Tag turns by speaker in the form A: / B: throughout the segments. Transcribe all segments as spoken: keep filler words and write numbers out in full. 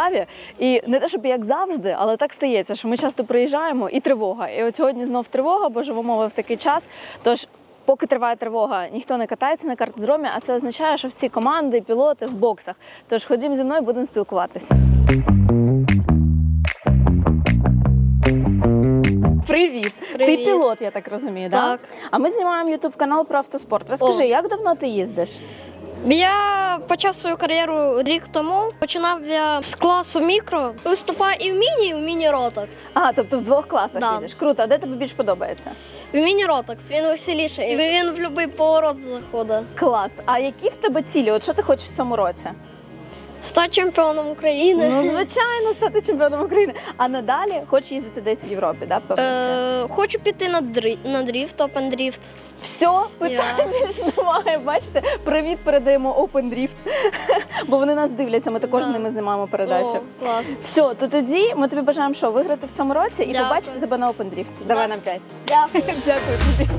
A: Полтаві. І не те, щоб як завжди, але так стається, що ми часто приїжджаємо і тривога. І от сьогодні знов тривога, бо живемо ми в такий час. Тож, поки триває тривога, ніхто не катається на картодромі, а це означає, що всі команди, пілоти в боксах. Тож ходім зі мною, будемо спілкуватися. Привіт.
B: Привіт!
A: Ти пілот, я так розумію, так?
B: Так.
A: А ми знімаємо ютуб-канал про автоспорт. Розкажи,
B: О.
A: як давно ти їздиш?
B: Я почав свою кар'єру рік тому. Починав я з класу мікро. Виступаю і в міні, і в міні-ротакс.
A: А, тобто в двох класах
B: Да.
A: їдеш. Круто. А де тобі більш подобається?
B: В міні-ротакс він веселіший. Він в будь-який поворот заходить.
A: Клас. А які в тебе цілі? От що ти хочеш в цьому році?
B: Стати чемпіоном України.
A: Ну, звичайно, стати чемпіоном України. А надалі хочеш їздити десь в Європі, так? Да?
B: Е, хочу піти на, дрі... на дріфт, опен дріфт.
A: Все, питань ж немає. Бачите, привіт передаємо Open Drift. Бо вони нас дивляться, ми також з
B: Да.
A: ними знімаємо передачу.
B: О, клас.
A: Все, то тоді ми тобі бажаємо що, виграти в цьому році і
B: Дякую.
A: побачити тебе на Open Drift. Давай нам п'ять.
B: Дякую.
A: Дякую тобі.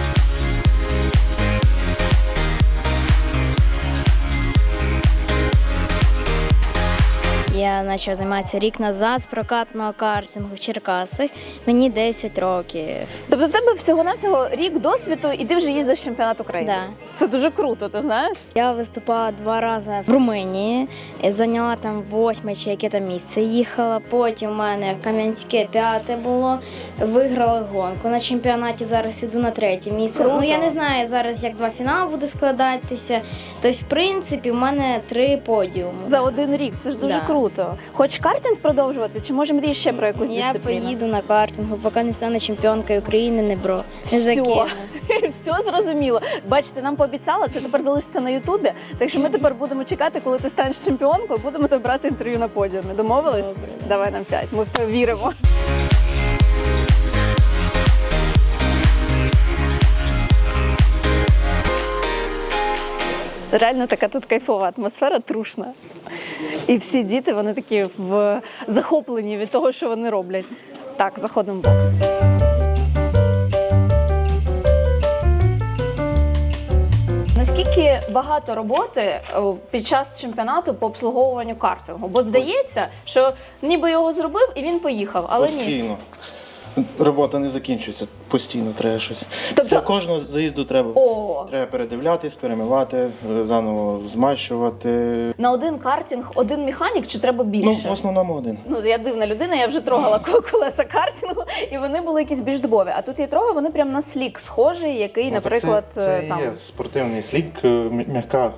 C: Я почав займатися рік назад з прокатного картингу в Черкасах. Мені десять років.
A: Тобто в тебе всього-навсього рік досвіду і ти вже їздиш в чемпіонат України?
C: Да.
A: Це дуже круто, ти знаєш?
C: Я виступала два рази в Румунії, зайняла там восьме чи яке там місце. Їхала, потім у мене Кам'янське п'яте було, виграла гонку. На чемпіонаті зараз іду на третє місце.
A: Круто.
C: Ну я не знаю зараз, як два фінали буде складатися. Тобто, в принципі, у мене три подіуми.
A: За один рік, це ж дуже
C: Да.
A: круто. Хочеш картинг продовжувати, чи може мрієш ще про якусь
C: Я
A: дисципліну?
C: поїду на картингу, поки не стану чемпіонкою України, не бро. Не
A: Всьо.
C: закину.
A: Все зрозуміло. Бачите, нам пообіцяла, це тепер залишиться на Ютубі. Так що ми тепер будемо чекати, коли ти станеш чемпіонкою, будемо тебе брати інтерв'ю на подіумі. Домовились?
C: Добре.
A: Давай нам п'ять. Ми в тебе віримо. Реально така тут кайфова атмосфера, трушна. І всі діти, вони такі в захоплені від того, що вони роблять. Так, заходимо в бокс. Наскільки багато роботи о, під час чемпіонату по обслуговуванню картингу? Бо здається, що ніби його зробив і він поїхав, але ні.
D: Постійно. Робота не закінчується, постійно треба щось.
A: Тобто-
D: Для кожного заїзду треба,
A: О,
D: треба передивлятись, перемивати, заново змащувати.
A: на один картинг один механік чи треба
D: Ну,
A: більше?
D: в основному один.
A: Ну, я дивна людина, я вже трогала ко- колеса картингу, і вони були якісь більш дубові. А тут я трогаю, вони прям на слік схожий, який,
D: Ну, так
A: наприклад,
D: це, це
A: там.
D: є спортивний слік, е, м'я- м'яка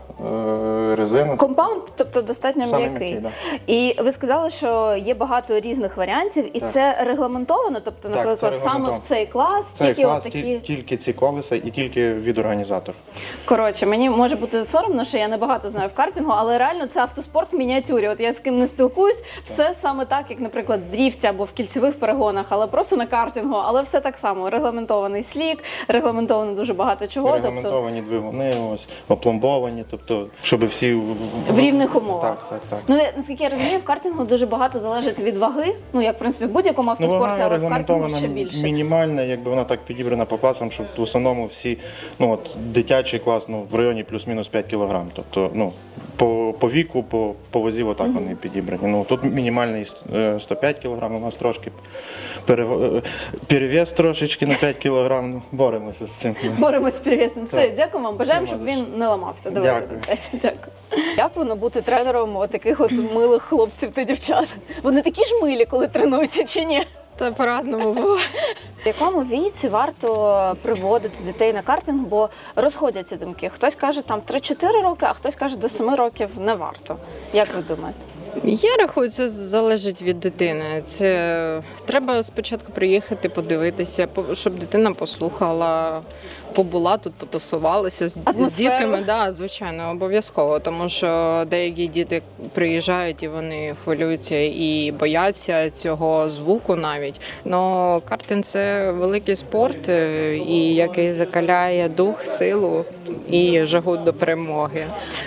D: е, резина.
A: Компаунд, тобто достатньо
D: Саме
A: м'який.
D: м'який,
A: І ви сказали, що є багато різних варіантів, і
D: Так.
A: це регламентовано, тобто,
D: Так,
A: наприклад,
D: це
A: саме
D: регламентовано.
A: в цей клас,
D: Цей
A: тільки
D: клас,
A: от
D: ті-
A: такі.
D: тільки ці колеса і тільки від організатора.
A: Коротше, мені може бути соромно, що я не багато знаю в картингу, але реально це автоспорт в мініатюрі. От я з ким не спілкуюсь, все саме так, як, наприклад, в дріфті або в кільцевих перегонах, але просто на картингу, але все так само. Регламентований слік, регламентовано дуже багато чого. Тобто
D: Регламентовані двигуни, ось, опломбовані, тобто, щоб всі в,
A: в рівних умовах.
D: Так, так, так.
A: Ну, я- наскільки я розумію, в картингу дуже багато залежить від ваги. Ну, як, в принципі, в будь-якому
D: Ну,
A: автоспорті,
D: вона
A: але в картингу
D: регламентована
A: ще більше.
D: мінімальна, якби вона так підібрана по класам, щоб в основному всі, ну от дитячий клас, ну в районі плюс-мінус п'ять кілограм. Тобто, ну по, по віку, по, по вазі, отак mm-hmm. вони підібрані. Ну тут мінімальний е, сто п'ять кілограм, у нас трошки пере, е, перевес трошечки на п'ять кілограм. Ну, боремося з цим.
A: Боремось з привісним. Все,
D: Так.
A: дякую вам. Бажаємо,
D: Нема
A: щоб
D: за
A: він не ламався. Давайте.
D: Дякую.
A: Дякую. Як воно бути тренером от таких от милих хлопців та дівчат? Вони такі ж милі, коли тренуються, чи ні?
E: Та по-разному було.
A: В якому віці варто приводити дітей на картинг, бо розходяться думки. Хтось каже там три-чотири роки, а хтось каже до семи років не варто. Як ви думаєте?
E: Я рахую, це залежить від дитини. Це треба спочатку приїхати, подивитися, по- щоб дитина послухала, побула тут, потусувалася з, з
A: Атмосферу.
E: дітками. Да, звичайно, обов'язково, тому що деякі діти приїжджають і вони хвилюються і бояться цього звуку навіть. Но картинг – це великий спорт, е, і який закаляє дух, силу і жагу до перемоги.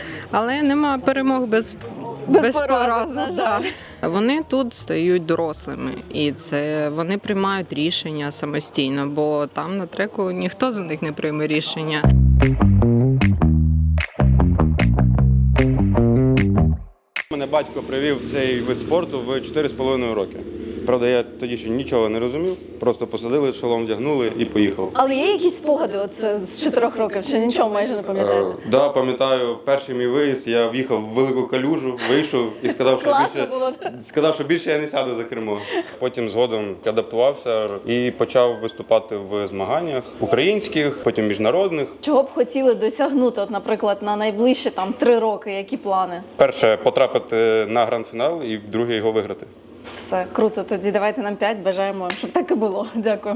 E: Але нема перемог без
A: Без
E: без
A: поразок,
E: поразок,
A: на
E: да.
A: жаль.
E: Вони тут стають дорослими, і це вони приймають рішення самостійно, бо там на треку ніхто за них не прийме рішення.
F: Мене батько батько привів цей вид спорту в чотири з половиною роки. Правда, я тоді ще нічого не розумів, просто посадили, шолом вдягнули і поїхав.
A: Але є якісь спогади оце з чотирьох років, чи нічого майже не пам'ятаєте?
F: Так, да, пам'ятаю, перший мій виїзд, я в'їхав в велику калюжу, вийшов і сказав, що
A: Класно
F: більше,
A: було.
F: сказав, що більше я не сяду за кермо. Потім згодом адаптувався і почав виступати в змаганнях українських, потім міжнародних.
A: Чого б хотіли досягнути, от, наприклад, на найближчі там три роки, які плани?
F: Перше потрапити на гранд-фінал і друге його виграти.
A: Все, круто, тоді давайте нам п'ять, бажаємо, щоб так і було. Дякуємо.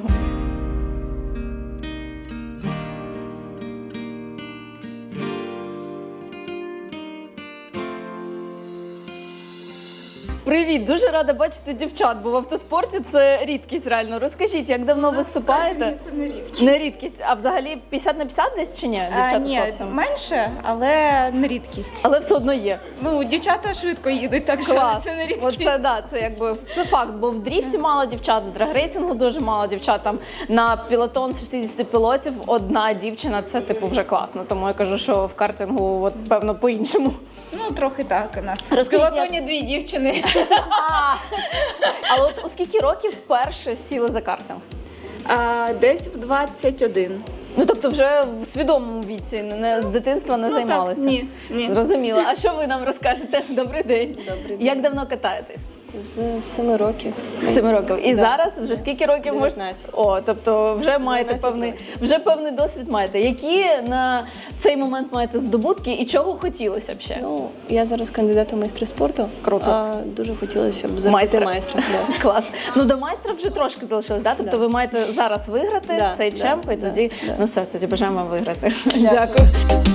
A: Привіт, дуже рада бачити дівчат, бо в автоспорті це рідкість реально. Розкажіть, як давно виступаєте?
G: Це не рідкість.
A: Не рідкість, а взагалі п'ятдесят на п'ятдесят десь чи ні?
G: А,
A: Дівчата
G: ні,
A: з хлопцями?
G: менше, але не рідкість.
A: Але все одно є.
G: Ну, дівчата швидко їдуть, так що
A: Клас.
G: це не рідкість.
A: Оце, да, це якби це факт, бо в дріфті мало дівчат, в драгрейсингу дуже мало дівчат. Там на пілотон з шістдесят пілотів одна дівчина, це типу вже класно. Тому я кажу, що в картингу от, певно по-іншому.
G: Ну, трохи так у нас. В
A: Розкажіть,
G: пілотоні дві дівчини.
A: А, але от у скільки років вперше сіли за картинг?
G: А, десь в двадцять один.
A: Ну тобто вже в свідомому віці, не з дитинства не
G: Ну,
A: займалися?
G: так, ні, ні.
A: Зрозуміло. А що ви нам розкажете? Добрий день.
H: Добрий день.
A: Як давно катаєтесь?
H: З семи років.
A: З семи років. І
H: Да.
A: зараз вже скільки років можете?
H: дев'ятнадцять.
A: О, тобто вже маєте
H: дев'ятнадцять
A: певний,
H: років.
A: вже певний досвід маєте. Які на цей момент маєте здобутки і чого хотілося б ще?
H: Ну, я зараз кандидат у майстри спорту.
A: Круто.
H: А дуже хотілося б
A: Майстра.
H: зробити майстра. Да.
A: Клас. Ну до майстра вже трошки залишилось, да? Тобто
H: Да.
A: ви маєте зараз виграти
H: Да,
A: цей
H: да,
A: чемп, і
H: да,
A: тоді
H: да.
A: ну все, тоді бажаємо вам виграти. Дякую.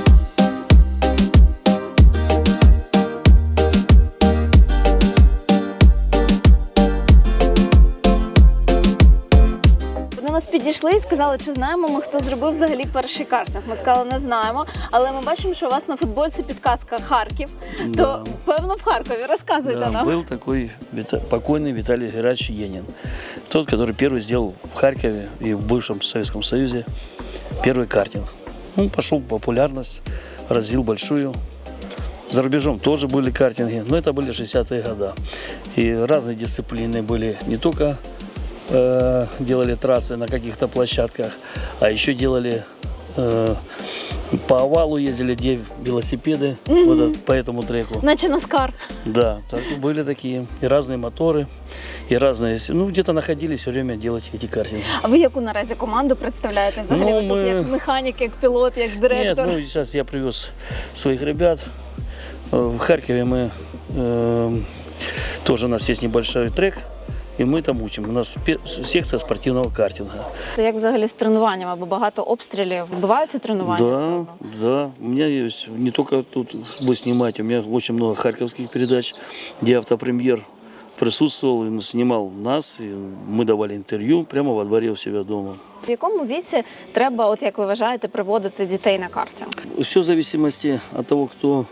A: До нас підійшли і сказали, чи знаємо ми, хто зробив взагалі перший картинг. Ми сказали, не знаємо, але ми бачимо, що у вас на футболці підказка Харків.
I: Да.
A: То певно в Харкові. Розказуйте
I: Да,
A: нам.
I: был такой Вита- покойный Виталий Герач Енин. Тот, который первый сделал в Харькове и в бывшем Советском Союзе первый картинг. Он пошел в популярность, развил большую. За рубежом тоже были картинги, но это были шестидесятые годы. И разные дисциплины были. Не только э, делали трассы на каких-то площадках, а еще делали э, по овалу ездили, где велосипеды вот этот- по этому треку.
A: Наче Наскар.
I: Да, так, были такие и разные моторы, и разные, ну где-то находились все время делать эти картинги.
A: А ви яку наразі команду представляєте? Взагалі
I: Ну,
A: ви тут
I: ми-
A: як механік, як пілот, як
I: Нет,
A: директор?
I: ну сейчас я привез своих ребят. Э, В Харькове мы э, тоже у нас есть небольшой трек, и мы там учим. У нас пе- секция спортивного картинга.
A: Як взагалі з тренуваннями? Бо багато обстрілів. Вбиваються тренування? все
I: Да,
A: одно?
I: да. У меня есть не только тут вы снимаете, у меня очень много харьковских передач, где автопремьер присутствовал, и снимал нас, и мы давали интервью прямо во дворе у себя дома.
A: В якому віці треба, от як ви вважаєте, приводити дітей на картинг?
I: Все в зависимости от того, кто,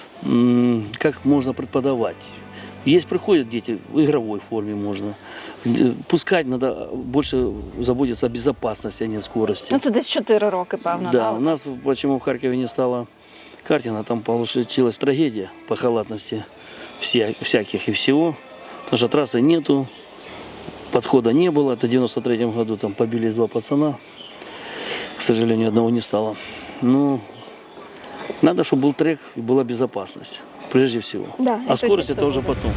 I: м, как можно преподавать. Есть приходят дети в игровой форме можно. Д- Пускать надо больше заботиться о безопасности, а не скорости.
A: Ну це десь чотири роки, певно.
I: Да, у нас почему в Харькове не стало картинга, там получилась трагедия по халатности вся- всяких и всего, потому что трассы нету, подхода не было, это в девяносто третьем году там побились два пацана, к сожалению, одного не стало. Ну, надо, чтобы был трек и была безопасность, прежде всего.
A: Да,
I: а
A: это
I: скорость
A: это
I: это уже
A: будет.
I: потом.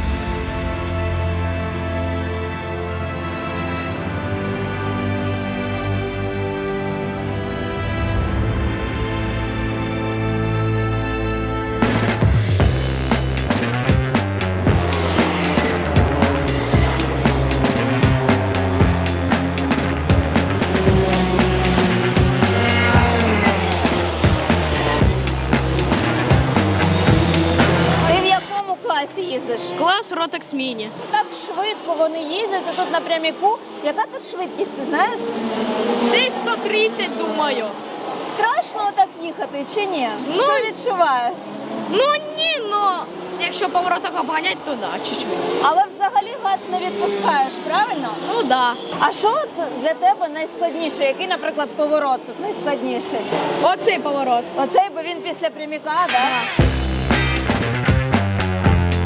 A: Ти в якому класі їздиш?
B: Клас Ротекс Міні.
A: Так швидко вони їздять, а тут напряміку. Яка тут швидкість, ти знаєш?
B: Десь сто тридцять, думаю.
A: Страшно так їхати чи ні?
B: Ну,
A: Що відчуваєш?
B: Ну ні, ну якщо повороток обганять, то да, чуть-чуть.
A: Але взагалі газ не відпускаєш, правильно?
B: Ну да.
A: А що от для тебе найскладніше? Який, наприклад, поворот тут найскладніший?
B: Оцей поворот.
A: Оцей, бо він після пряміка, да?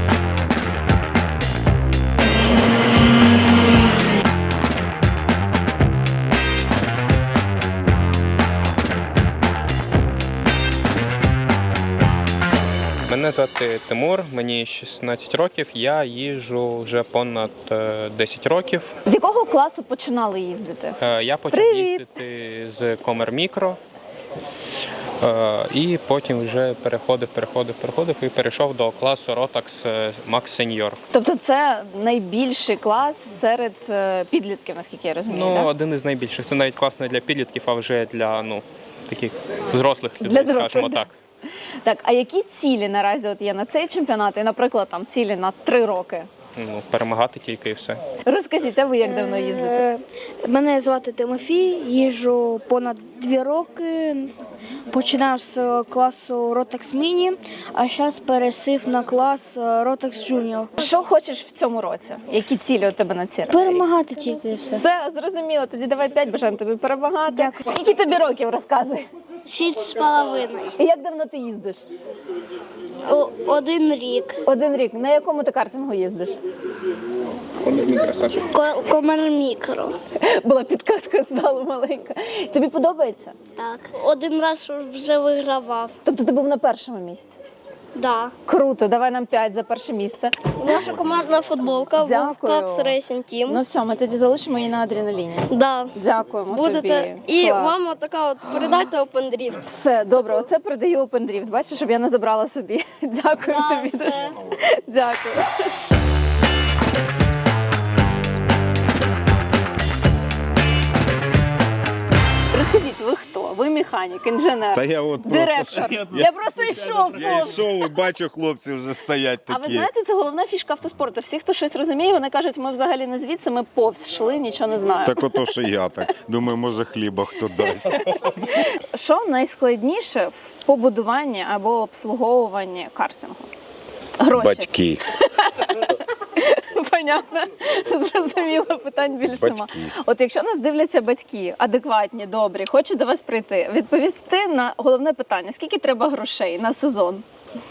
J: Мене звати Тимур, мені шістнадцять років, я їжджу вже понад е, десять років.
A: З якого класу починали їздити?
J: Е, Я почав
A: Привіт!
J: їздити з Комер Мікро, е, і потім вже переходив, переходив, переходив і перейшов до класу Rotax Max Senior.
A: Тобто це найбільший клас серед е, підлітків, наскільки я розумію,
J: Ну,
A: да?
J: один із найбільших. Це навіть клас не для підлітків, а вже для ну, таких взрослих
A: Для
J: людей,
A: дорослих,
J: скажімо
A: да.
J: так.
A: Так, а які цілі наразі от є на цей чемпіонат і, наприклад, там цілі на три роки?
J: Ну, перемагати тільки і все.
A: Розкажіть, а ви як давно їздите?
K: Е, Мене звати Тимофій, їжджу понад дві роки. Починав з класу Rotax Mini, а зараз пересів на клас Rotax Junior.
A: Що хочеш в цьому році? Які цілі у тебе на ці роки?
K: Перемагати тільки і все.
A: Все, зрозуміло. Тоді давай п'ять, бажаємо тобі перемагати.
K: Дякую.
A: Скільки тобі років, розказуй?
K: Шість з половиною.
A: І як давно ти їздиш?
K: Один рік.
A: Один рік. На якому ти картингу їздиш?
K: Комер Мікро.
A: Була підказка з залу маленька. Тобі подобається?
K: Так. Один раз вже вигравав.
A: Тобто ти був на першому місці?
K: Да.
A: Круто, давай нам п'ять за перше місце.
B: Наша командна футболка
A: Дякую.
B: World Cups Racing Team.
A: Ну все, ми тоді залишимо її на адреналіні.
B: Да.
A: Дякуємо
B: Будете.
A: тобі.
B: І
A: Клас.
B: вам така от передайте Open Drift.
A: Все, добре, оце передаю Open Drift. Бачиш, щоб я не забрала собі. Дякую
B: Да,
A: тобі
B: все.
A: дуже. Дякую. Розкажіть, ви хто? Ви механік, інженер,
L: Та я от
A: директор.
L: просто,
A: Я просто йшов.
L: я
A: повз.
L: йшов і бачу, хлопці вже стоять
A: А ви
L: такі.
A: знаєте, це головна фішка автоспорту. Всі, хто щось розуміє, вони кажуть, ми взагалі не звідси, ми повз йшли, нічого не знаємо.
L: Так ото, що я так. Думаю, може хліба хто дасть.
A: Що найскладніше в побудуванні або обслуговуванні картингу? Гроші.
L: Батьки.
A: Понятно, зрозуміло, питань більше нема.
L: Батьки.
A: От якщо нас дивляться батьки, адекватні, добрі, хочуть до вас прийти, відповісти на головне питання: скільки треба грошей на сезон?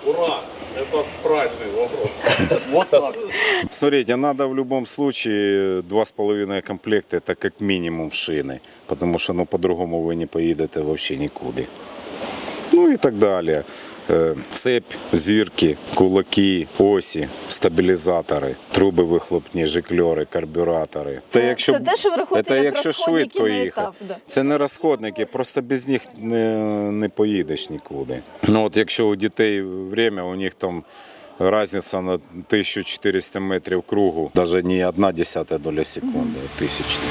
L: Смотрите, надо в любом случае два с половиной комплекта, это как минимум шины. Потому что ну, по-другому вы не поедете вообще никуда. Ну и так далее. Е, Цепь, зірки, кулаки, осі, стабілізатори, труби вихлопні, жикльори, карбюратори.
A: Це- це те, що ви рахуєте
L: це
A: як
L: якщо
A: розходники
L: швидко
A: на
L: їхати.
A: етап, да.
L: Це не розходники, просто без них не, не поїдеш нікуди. Ну от якщо у дітей время, у них там різниця на тисячу чотириста метрів кругу, навіть не одна десята доля секунди, а тисячна.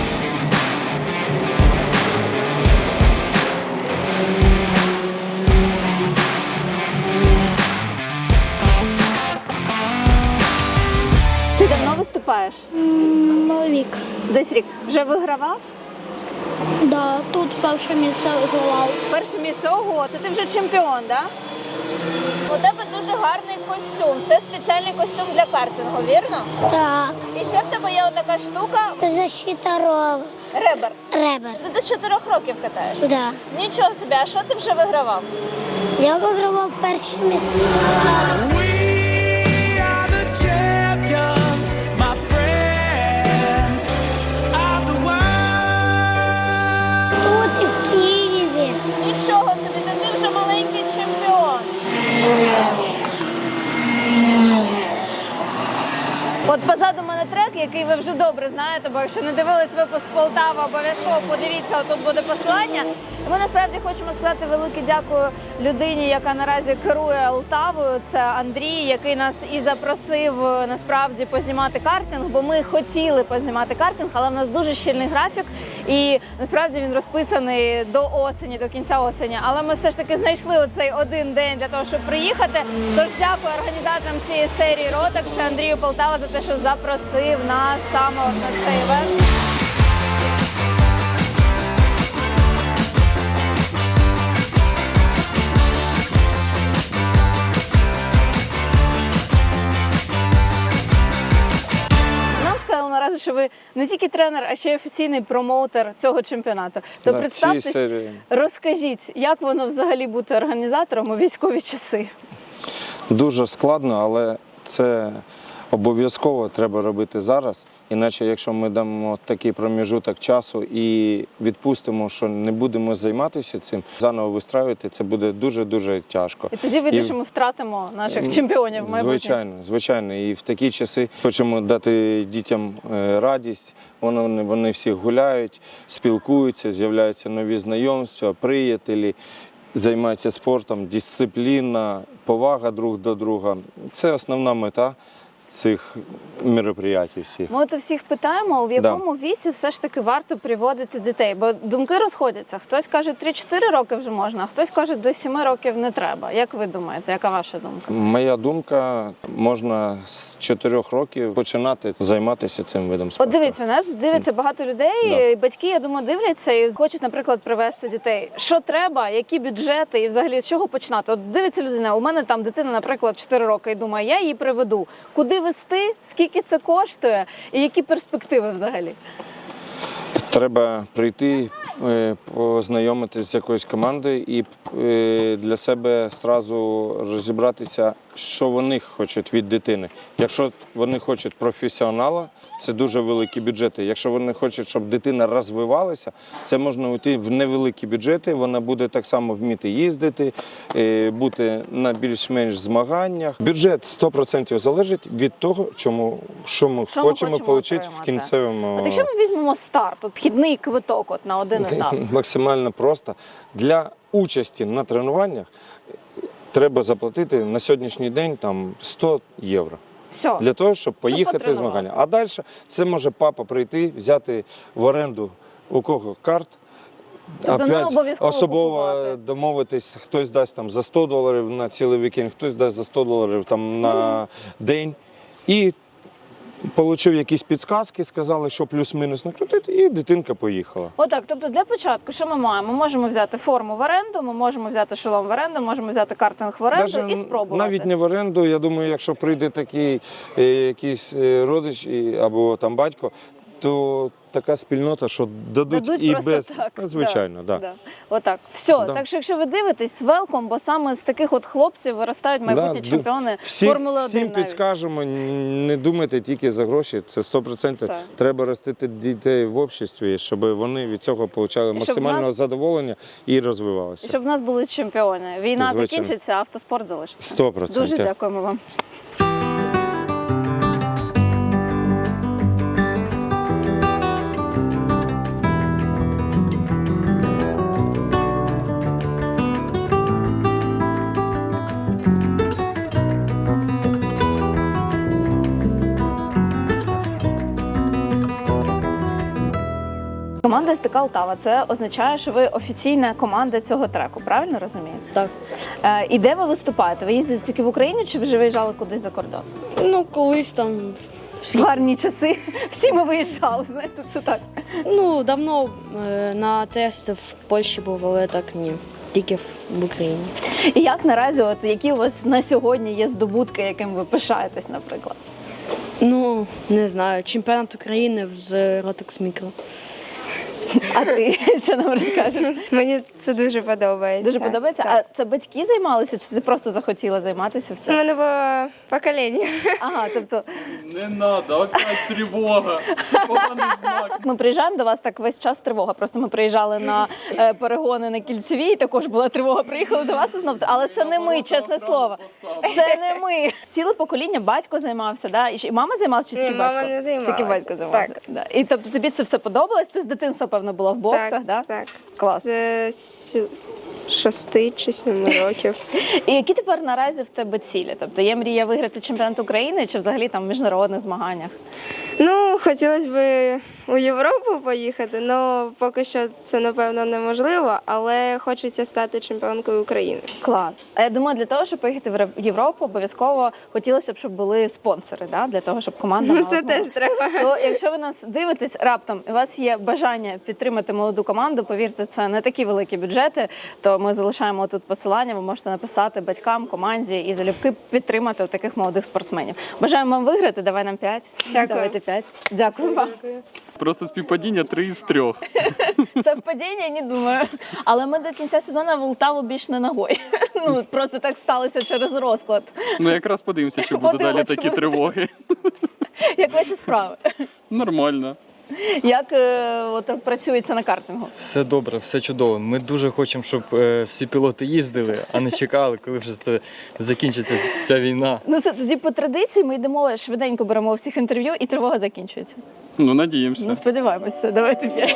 A: Ти давно виступаєш?
K: Рік.
A: Десь рік. Вже вигравав?
K: Да, тут перше місце вигравав.
A: Перше місце, ого, то ти вже чемпіон, да? У тебе дуже гарний костюм. Це спеціальний костюм для картингу, вірно?
K: Так.
A: І ще в тебе є отака штука
K: Це защита ров.
A: ребер.
K: Ребер.
A: Ти з чотирьох років катаєшся?
K: Да.
A: Нічого собі, а що ти вже вигравав?
K: Я вигравав перші місця. Тут і в Києві.
A: Нічого собі, та ти вже маленький чемпіон. От позаду мене трек, який ви вже добре знаєте, бо якщо не дивились випуск Полтава, обов'язково подивіться, тут буде посилання. І ми насправді хочемо сказати велике дякую людині, яка наразі керує Полтавою. Це Андрій, який нас і запросив насправді познімати картинг, бо ми хотіли познімати картинг, але в нас дуже щільний графік, і насправді він розписаний до осені, до кінця осені. Але ми все ж таки знайшли оцей один день для того, щоб приїхати. Тож дякую організаторам цієї серії Rotax, Андрію Полтава, за те, що запросив нас саме от на цей івент. Нам сказали наразі, що ви не тільки тренер, а ще й офіційний промоутер цього чемпіонату. То
M: Да,
A: представтесь,
M: цієї серії.
A: розкажіть, як воно взагалі бути організатором у військові часи?
M: Дуже складно, але це обов'язково треба робити зараз, іначе якщо ми дамо такий проміжуток часу і відпустимо, що не будемо займатися цим, заново вистраювати, це буде дуже-дуже тяжко.
A: І тоді вийде, що ми втратимо наших чемпіонів майбутніх.
M: Звичайно, звичайно. І в такі часи хочемо дати дітям е, радість, вони, вони всі гуляють, спілкуються, з'являються нові знайомства, приятелі, займаються спортом, дисципліна, повага друг до друга. Це основна мета цих мероприятий всіх.
A: Ми от у всіх питаємо, в якому да. віці все ж таки варто приводити дітей, бо думки розходяться. Хтось каже, три-чотири роки вже можна, а хтось каже, до сіми років не треба. Як ви думаєте, яка ваша думка?
M: Моя думка, можна з чотирьох років починати займатися цим видом спорту.
A: От дивіться, нас дивиться багато людей,
M: Да.
A: і батьки, я думаю, дивляться і хочуть, наприклад, привезти дітей. Що треба, які бюджети і взагалі з чого починати? От дивиться людина, у мене там дитина, наприклад, чотири роки, і думає, я її приведу. Куди вести, скільки це коштує і які перспективи взагалі?
M: Треба прийти, познайомитися з якоюсь командою і для себе одразу розібратися, що вони хочуть від дитини. Якщо вони хочуть професіонала, це дуже великі бюджети. Якщо вони хочуть, щоб дитина розвивалася, це можна йти в невеликі бюджети, вона буде так само вміти їздити, бути на більш-менш змаганнях. Бюджет сто відсотків залежить від того, чому, що ми
A: що
M: хочемо
A: ми
M: отримати в кінцевому...
A: От якщо ми візьмемо старт, от вхідний квиток от на один етап.
M: Максимально просто. Для участі на тренуваннях треба заплатити на сьогоднішній день там сто євро.
A: Все.
M: Для того, щоб поїхати в змагання. А далі це може папа прийти, взяти в оренду у кого карт,
A: тобто
M: опять особливо домовитись, хтось дасть там за сто доларів на цілий вікенд, хтось дасть за сто доларів там на mm. день. І отримав якісь підказки, сказали, що плюс-мінус накрутити, і дитинка поїхала.
A: Отак, тобто для початку, що ми маємо? Ми можемо взяти форму в оренду, ми можемо взяти шолом в оренду, можемо взяти картинг в оренду
M: Даже
A: і спробувати.
M: Навіть не в оренду, я думаю, якщо прийде такий е, якийсь е, родич і, або там батько, то така спільнота, що дадуть,
A: дадуть
M: і
A: просто
M: без...
A: так.
M: Звичайно,
A: да.
M: так. Да.
A: Да. Отак. Все.
M: Да.
A: Так що, якщо ви дивитесь, велком, бо саме з таких от хлопців виростають майбутні
M: Да.
A: чемпіони
M: Всі,
A: Формули один
M: всім
A: навіть.
M: підскажемо, не думайте тільки за гроші, це сто відсотків.
A: Все.
M: Треба ростити дітей в обществі, щоб вони від цього отримали максимального
A: нас...
M: задоволення і розвивалися.
A: І щоб в нас були чемпіони. Війна
M: Звичайно.
A: закінчиться, а автоспорт залишиться.
M: сто відсотків.
A: Дуже дякуємо вам. Команда СТК Полтава – це означає, що ви офіційна команда цього треку, правильно розумію?
B: Так.
A: Е, і де ви виступаєте? Ви їздите тільки в Україні чи вже виїжджали кудись за кордон?
B: Ну, колись там.
A: В гарні часи. Всі ми виїжджали, знаєте, це так.
B: Ну, давно е, на тести в Польщі був, але так ні. Тільки в Україні.
A: І як наразі, от які у вас на сьогодні є здобутки, яким ви пишаєтесь, наприклад?
B: Ну, не знаю, чемпіонат України з Rotax Micro.
A: А ти що нам розкажеш?
N: Мені це дуже подобається.
A: Дуже подобається?
N: Так.
A: А це батьки займалися, чи ти просто захотіла займатися
N: У
A: все?
N: мене було покоління.
A: Ага, тобто
J: Не надо, опять тривога. Це поганий знак.
A: ми приїжджаємо до вас так весь час тривога. Просто ми приїжджали на е, перегони на Кільцевій, також була тривога, приїхали до вас і знов. Але це не ми, чесне слово. Це не ми. Ціле покоління батько займався, да? І ще- і мама займалася, чи
N: Ні,
A: тільки
N: мама
A: батько?
N: не займалася.
A: Тільки батько займався.
N: Так.
A: Да. І тобто тобі це все подобалось? Ти з дитинства, певно, була в боксах,
N: Так,
A: да?
N: так.
A: Клас.
N: З сі- шести чи семи років.
A: І які тепер наразі в тебе цілі? Тобто є мрія виграти чемпіонат України чи взагалі там в міжнародних змаганнях?
N: Ну, хотілося б у Європу поїхати, але поки що це, напевно, неможливо, але хочеться стати чемпіонкою України.
A: Клас. А я думаю, для того, щоб поїхати в Європу, обов'язково хотілося б, щоб були спонсори, да? Для того, щоб команда
N: Ну,
A: мала
N: це
A: змогу.
N: теж треба.
A: То, якщо ви нас дивитесь раптом, і у вас є бажання підтримати молоду команду, повірте, це не такі великі бюджети, то ми залишаємо тут посилання, ви можете написати батькам, команді і залюбки підтримати таких молодих спортсменів. Бажаємо вам виграти, давай нам п'ять.
N: Дякую.
A: Давайте п'ять. Дякую вам.
O: Просто співпадіння три із трьох.
A: Совпадіння, не думаю. Але ми до кінця сезону в Полтаву більш не ногою. Ну, просто так сталося через розклад.
O: Ну якраз подивимося, чи будуть далі
A: Подивимось,
O: такі
A: чи
O: тривоги.
A: Як ваші справи?
O: Нормально.
A: Як е, от, працюється на картингу?
P: Все добре, все чудово. Ми дуже хочемо, щоб е, всі пілоти їздили, а не чекали, коли вже це закінчиться ця війна.
A: Ну все, тоді по традиції ми йдемо, швиденько беремо у всіх інтерв'ю і тривога закінчується.
O: Ну, надіємося.
A: Ну, сподіваємося, давайте п'ять.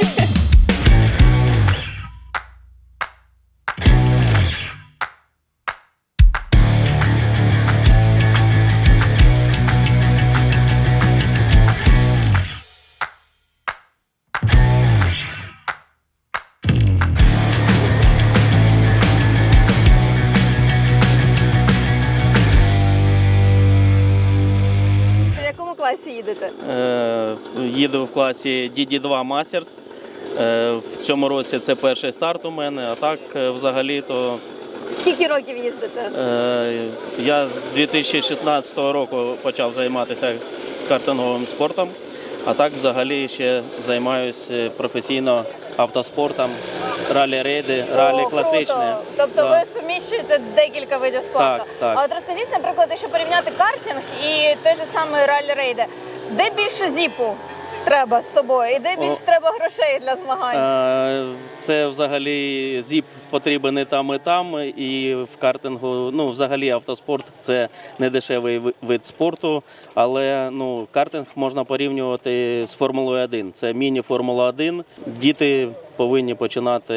A: В якому класі їдете?
Q: Е, їду в класі ді ді два Masters. Е, в цьому році це перший старт у мене, а так е, взагалі-то
A: Скільки років їздите?
Q: е, я з дві тисячі шістнадцятого року почав займатися картинговим спортом, а так взагалі ще займаюся професійно автоспортом, ралі-рейди, ралі
A: О,
Q: класичне.
A: круто. Тобто
Q: Да.
A: ви суміщуєте декілька видів спорту.
Q: Так, так.
A: А от розкажіть, наприклад, якщо порівняти картинг і той же самий ралі-рейди, де більше зіпу треба з собою і де більше
Q: О.
A: треба грошей для змагань?
Q: Е, Це взагалі зіп потрібен і там, і там. І в картингу, ну, взагалі автоспорт це не дешевий ви- вид спорту, але ну, картинг можна порівнювати з Формулою один. Це міні-Формула один. Діти повинні починати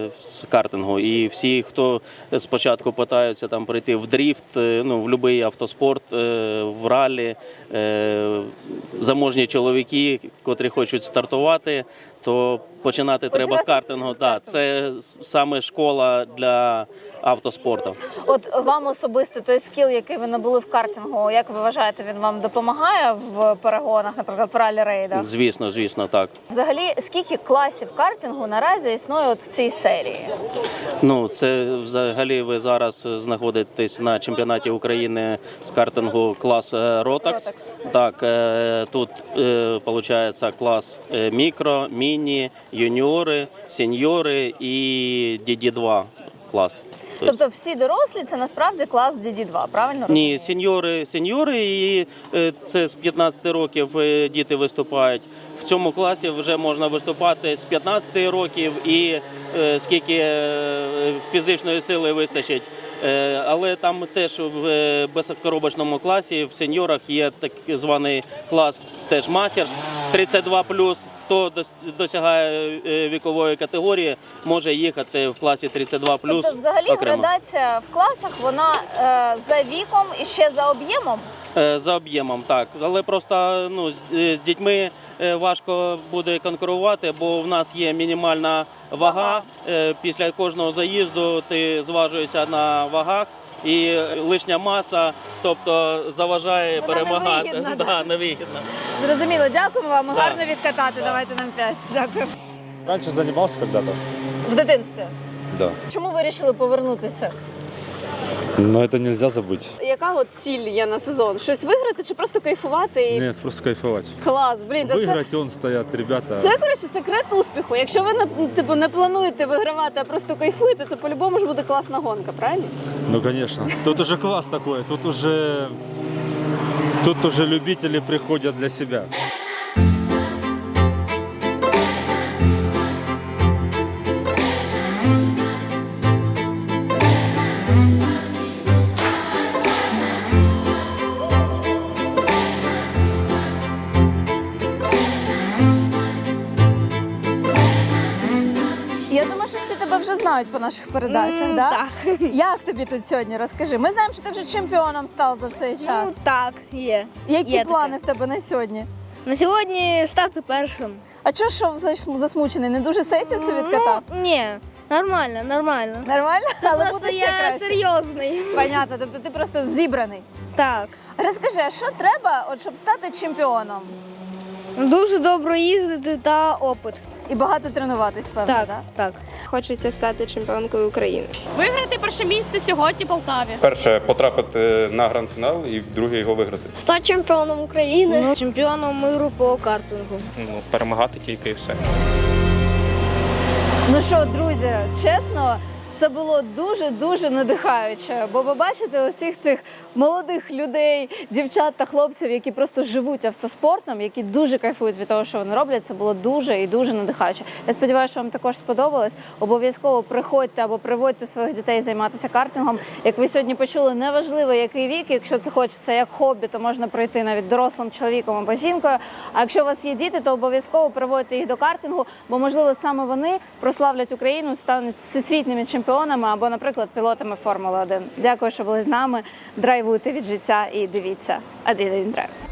Q: з картингу. І всі, хто спочатку питаються там прийти в дріфт, е, ну, в будь-який автоспорт, е, в ралі, е, заможні чоловіки, котрі хочуть стартувати, то починати треба з
A: Починати з
Q: картингу. Так, це саме школа для автоспорту.
A: От вам особисто той скіл, який ви набули в картингу, як ви вважаєте, він вам допомагає в перегонах, наприклад, в ралі-рейдах?
Q: Звісно, звісно, так.
A: Взагалі, скільки класів картингу наразі існує от в цій серії?
Q: Ну, це взагалі ви зараз знаходитесь на чемпіонаті України з картингу клас е, Rotax. Так, е, тут виходить клас е, мікро, міні, юніори, сеньори і ді ді два клас.
A: Тобто всі дорослі це насправді клас ді ді два, правильно?
Q: Ні, сеньори, сеньори, і е, це з п'ятнадцяти років е, діти виступають. В цьому класі вже можна виступати з п'ятнадцяти років і е, скільки е, фізичної сили вистачить. Е, але там теж в е, безкоробочному класі в сеньорах є так званий клас теж Masters тридцять два плюс. Хто дос- досягає е, вікової категорії, може їхати в класі тридцять два плюс.
A: Тобто взагалі
Q: окремо.
A: градація в класах, вона е, за віком і ще за об'ємом?
Q: Е, За об'ємом, так. Але просто ну, з, е, з дітьми е, важко буде конкурувати, бо в нас є мінімальна вага. Е, Після кожного заїзду ти зважуєшся на вагах. І лишня маса, тобто заважає
A: Вона
Q: перемагати.
A: невигідна,
Q: Да,
A: да.
Q: невигідно.
A: Зрозуміло, дякуємо вам.
Q: Да.
A: Гарно відкатати. Давайте нам п'ять. Дякую.
R: Раньше занимался когда-то.
A: В дитинстві.
R: Да.
A: Чому вирішили повернутися?
R: Но это нельзя забыть.
A: Яка от ціль є на сезон? Щось виграти чи просто кайфувати? І...
R: Нет, просто кайфовать.
A: Клас, блін, та це,
R: Выиграть он стоят ребята.
A: це коротше секрет успіху. Якщо ви не, типу, не плануєте вигравати, а просто кайфуєте, то по-любому ж буде класна гонка, правильно?
R: Ну, конечно. Тут уже класс такой. Тут уже... Тут уже любители приходят для себя.
A: Я думаю, що всі тебе вже знають по наших передачах,
B: М,
A: да?
B: так.
A: Як тобі тут сьогодні? Розкажи. Ми знаємо, що ти вже чемпіоном став за цей час.
K: Ну так, є.
A: Які
K: є
A: плани в тебе на сьогодні?
K: На сьогодні стати першим.
A: А чого що зас- засмучений? Не дуже сесію цю відкатав?
K: Ну, ні, нормально, нормально.
A: Нормально?
K: Це
A: Але
K: просто
A: буде ще
K: я
A: краще.
K: серйозний.
A: Понятно, тобто ти просто зібраний.
K: Так.
A: Розкажи, а що треба, от, щоб стати чемпіоном?
K: Дуже добре їздити та опит.
A: і багато тренуватись, певно,
N: Так,
A: да?
N: так. Хочеться стати чемпіонкою України.
B: Виграти перше місце сьогодні в Полтаві.
F: Перше потрапити на гранд-фінал і друге його виграти.
B: Стати чемпіоном України.
K: Ну, чемпіоном миру по картингу.
J: Ну, перемагати тільки і все.
A: Ну що, друзі, чесно, це було дуже-дуже надихаюче, бо ви бачите усіх цих молодих людей, дівчат та хлопців, які просто живуть автоспортом, які дуже кайфують від того, що вони роблять. Це було дуже і дуже надихаюче. Я сподіваюся, що вам також сподобалось. Обов'язково приходьте або приводьте своїх дітей займатися картингом. Як ви сьогодні почули, неважливо, який вік, якщо це хочеться як хобі, то можна пройти навіть дорослим чоловіком або жінкою. А якщо у вас є діти, то обов'язково приводьте їх до картингу, бо, можливо, саме вони прославлять Україну, стануть всесвітніми чемпіонами або, наприклад, пілотами Формули один. Дякую, що були з нами. Драйвуйте від життя і дивіться Адреналін Драйв.